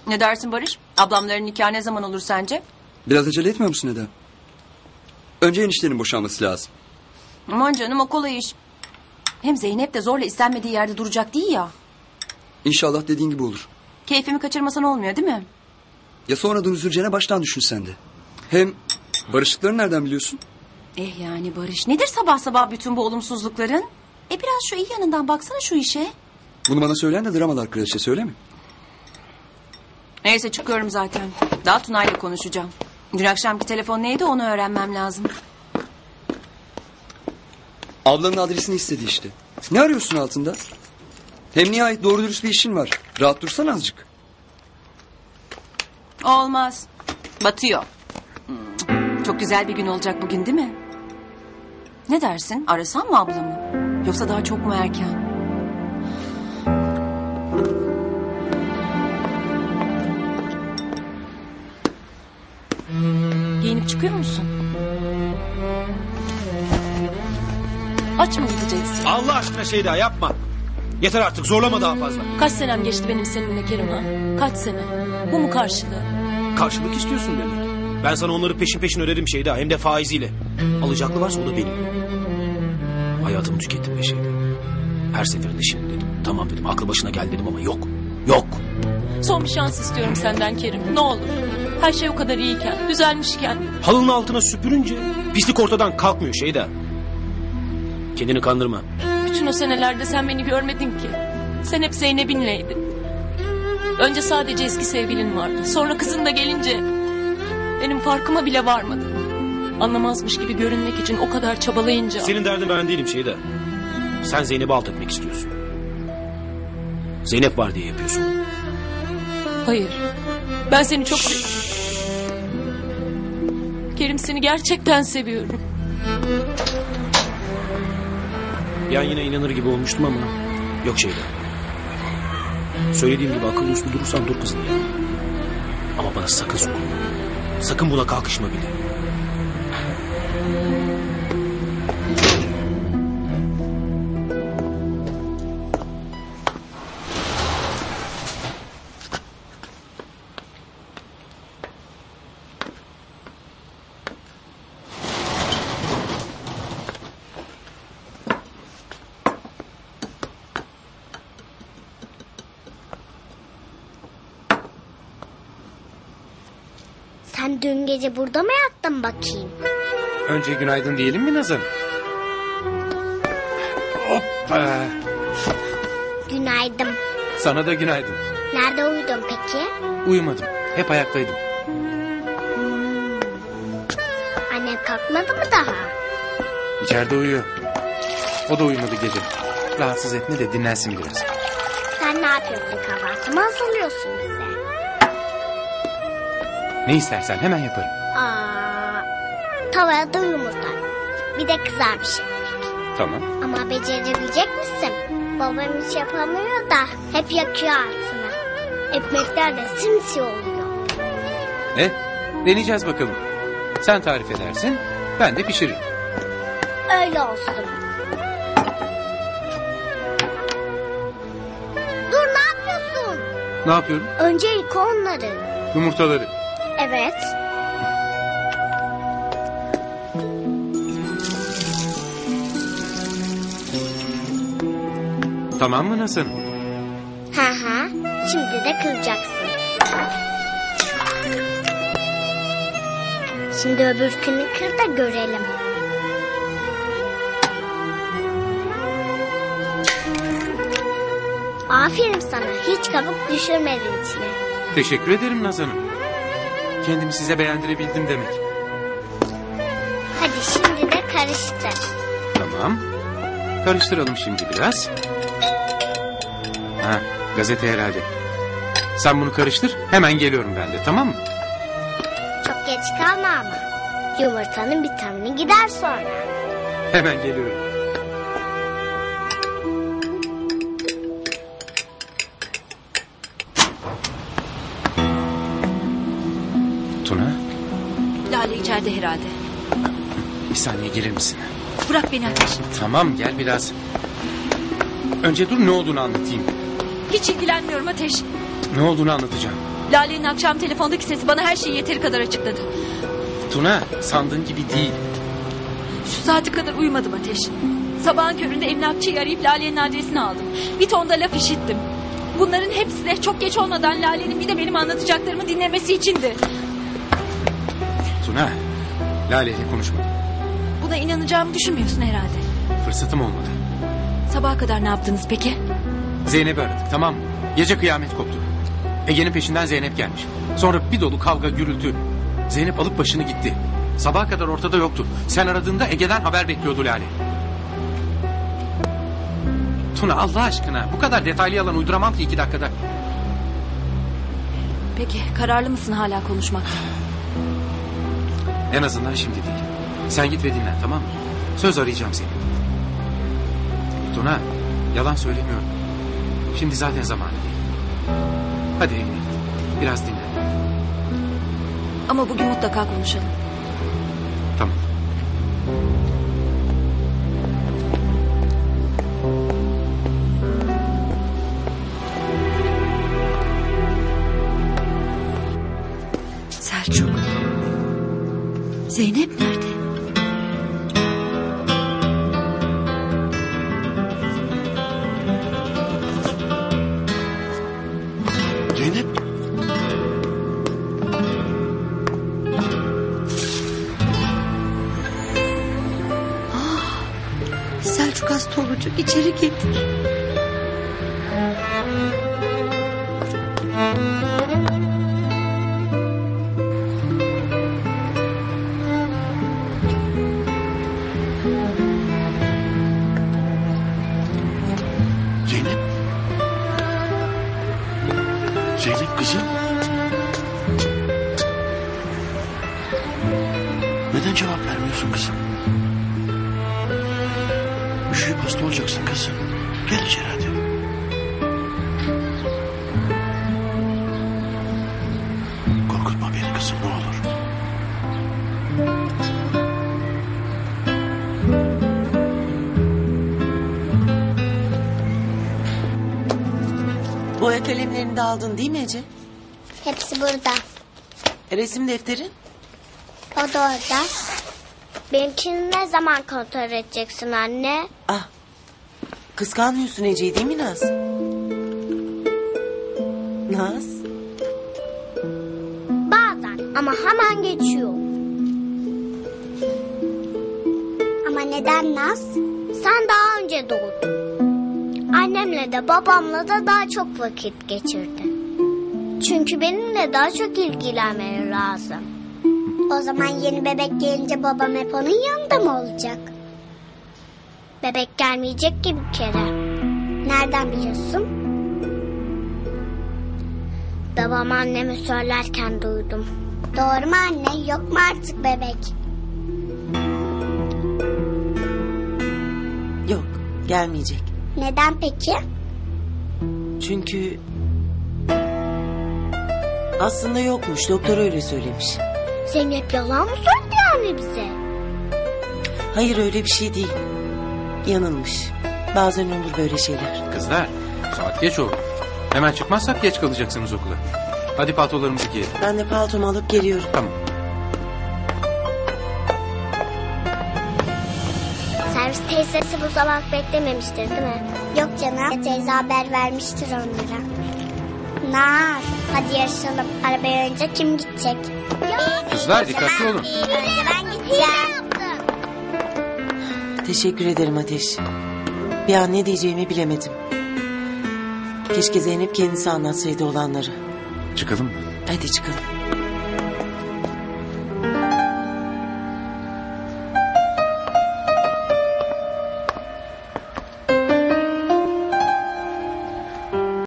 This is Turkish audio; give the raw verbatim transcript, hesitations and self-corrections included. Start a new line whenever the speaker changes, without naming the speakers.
Ne dersin Barış? Ablamların nikahı ne zaman olur sence?
Biraz acele etmiyor musun Eda? Önce eniştenin boşanması lazım.
Aman canım, o kolay iş. Hem Zeynep de zorla istenmediği yerde duracak değil ya.
İnşallah dediğin gibi olur.
Keyfimi kaçırmasan olmuyor değil mi?
Ya sonradan üzüleceğine baştan düşün sen de. Hem barıştıklarını nereden biliyorsun?
Eh yani Barış, nedir sabah sabah bütün bu olumsuzlukların? E biraz şu iyi yanından baksana şu işe.
Bunu bana söyleyen de dramalar kraliçesi, öyle mi?
Neyse, çıkıyorum zaten. Daha Tuna'yla konuşacağım. Dün akşamki telefon neydi, onu öğrenmem lazım.
Ablanın adresini istedi işte. Ne arıyorsun altında? Hem nihayet doğru dürüst bir işin var. Rahat dursan azıcık.
Olmaz. Batıyor. Hmm, Çok güzel bir gün olacak bugün değil mi? Ne dersin? Arasam mı ablamı? Yoksa daha çok mu erken? Giyinip çıkıyor musun? Aç mı gideceksin?
Allah aşkına Şeyda yapma. Yeter artık, zorlama daha fazla.
Kaç senem geçti benim seninle Kerim ha? Kaç sene? Bu mu karşılığı?
Karşılık istiyorsun demek. Ben sana onları peşin peşin öderim Şeyda, hem de faiziyle. Alacaklı varsa o da benim. Hayatımı tükettim be Şeyda. Her seferinde şimdi dedim. Tamam dedim, aklı başına gel dedim ama yok. Yok.
Son bir şans istiyorum senden Kerim. Ne olur. Her şey o kadar iyiyken, düzelmişken.
Halının altına süpürünce pislik ortadan kalkmıyor Şeyda. Kendini kandırma.
Bütün o senelerde sen beni görmedin ki. Sen hep Zeynep'inleydin. Önce sadece eski sevgilin vardı. Sonra kızın da gelince benim farkıma bile varmadın. Anlamazmış gibi görünmek için o kadar çabalayınca.
Senin derdin ben değilim Şeyda. Sen Zeynep'i alt etmek istiyorsun. Zeynep var diye yapıyorsun.
Hayır. Ben seni çok seviyorum. Kerim, seni gerçekten seviyorum.
Yan yine inanır gibi olmuştum ama yok Şeyda. Söylediğim gibi akıllı uslu durursan dur kızın yanına. Ama bana sakın sokma. Sakın buna kalkışma bile.
Sen dün gece burada mı yattın bakayım?
Önce günaydın diyelim mi Nazan? Hoppa.
Günaydın.
Sana da günaydın.
Nerede uyudun peki?
Uyumadım. Hep ayaktaydım.
Hmm. Annem kalkmadı mı daha?
İçeride uyuyor. O da uyumadı gece. Rahatsız etme de dinlensin biraz.
Sen ne yapıyorsun, kahvaltı mı hazırlıyorsun bize?
Ne istersen hemen yaparım.
Aa, tavaya da yumurta. Bir de kızarmış ekmek.
Tamam.
Ama becerebilecek misin? Babam hiç yapamıyor da hep yakıyor altını. Ekmekler de simsiyah oluyor.
E, deneyeceğiz bakalım. Sen tarif edersin, ben de pişiririm.
Öyle olsun. Dur, ne yapıyorsun?
Ne yapıyorum?
Önce yıka onları.
Yumurtaları.
Evet.
Tamam mı Nazan?
Hı hı. Şimdi de kıracaksın. Şimdi öbürkünü kır da görelim. Aferin sana. Hiç kabuk düşürmedin içine.
Teşekkür ederim Nazan'ım. Kendimi size beğendirebildim demek.
Hadi şimdi de karıştır.
Tamam. Karıştıralım şimdi biraz. Ha, gazete herhalde. Sen bunu karıştır, hemen geliyorum ben de, tamam mı?
Çok geç kalma ama. Yumurtanın vitamini gider sonra.
Hemen geliyorum. Tuna,
Lale içeride herhalde.
bir saniye gelir misin?
Bırak beni Ateş.
Tamam, gel biraz. Önce dur, ne olduğunu anlatayım.
Hiç ilgilenmiyorum Ateş.
Ne olduğunu anlatacağım.
Lale'nin akşam telefondaki sesi bana her şeyi yeteri kadar açıkladı.
Tuna sandığın gibi değil.
Şu saate kadar uyumadım Ateş. Sabahın köründe emlakçıyı arayıp Lale'nin adresini aldım. Bir ton da laf işittim. Bunların hepsi de çok geç olmadan Lale'nin bir de benim anlatacaklarımı dinlemesi içindi.
Tuna, Lale ile konuşmadım.
Buna inanacağımı düşünmüyorsun herhalde.
Fırsatım olmadı.
Sabaha kadar ne yaptınız peki?
Zeynep'i aradık, tamam mı? Gece kıyamet koptu. Ege'nin peşinden Zeynep gelmiş. Sonra bir dolu kavga gürültü. Zeynep alıp başını gitti. Sabaha kadar ortada yoktu. Sen aradığında Ege'den haber bekliyordu Lale. Tuna Allah aşkına bu kadar detaylı yalan uyduramam ki iki dakikada.
Peki kararlı mısın hala konuşmakta?
En azından şimdi değil. Sen git ve dinlen, tamam mı? Söz arayacağım seni. Tuna yalan söylemiyorum. Şimdi zaten zamanı değil. Hadi evine git. Biraz dinlen.
Ama bugün mutlaka konuşalım.
Tamam.
Selçuk. Zeynep nerede?
Zeynep.
Ah, Selçuk hasta olacak. İçeri getir.
Zeynep. Zeynep kızım. Neden cevap vermiyorsun kızım? Üşüyüp hasta olacaksın kızım. Gel içeri hadi. Korkutma beni kızım ne olur.
Boya kalemlerini de aldın değil mi Ece?
Hepsi burada.
E, resim defterin?
O da orada. Benimkini ne zaman kontrol edeceksin anne?
Ah. Kıskanmıyorsun Ece'yi değil mi Naz? Naz?
Bazen ama hemen geçiyor. Ama neden Naz? Sen daha önce doğdun. Annemle de babamla da daha çok vakit geçirdin. Çünkü benimle daha çok ilgilenmeleri lazım. O zaman yeni bebek gelince babam hep onun yanında mı olacak? Bebek gelmeyecek ki bir kere. Nereden biliyorsun? Babam anneme söylerken duydum. Doğru mu anne? Yok mu artık bebek?
Yok, gelmeyecek.
Neden peki?
Çünkü aslında yokmuş. Doktor öyle söylemiş.
Zeynep yalan mı söyledi yani bize?
Hayır öyle bir şey değil. Yanılmış. Bazen olur böyle şeyler.
Kızlar saat geç oldu. Hemen çıkmazsak geç kalacaksınız okula. Hadi paltolarımızı giyelim.
Ben de paltomu alıp geliyorum.
Tamam.
Servis teyzesi bu sabah beklememiştir değil mi? Yok canım. Teyze haber vermiştir onlara. Naz, hadi yarışalım. Arabaya önce kim gidecek?
Kızlar dikkatli olun.
Önce ben gideceğim.
Teşekkür ederim Ateş. Bir an ne diyeceğimi bilemedim. Keşke Zeynep kendisi anlatsaydı olanları.
Çıkalım mı?
Hadi çıkalım.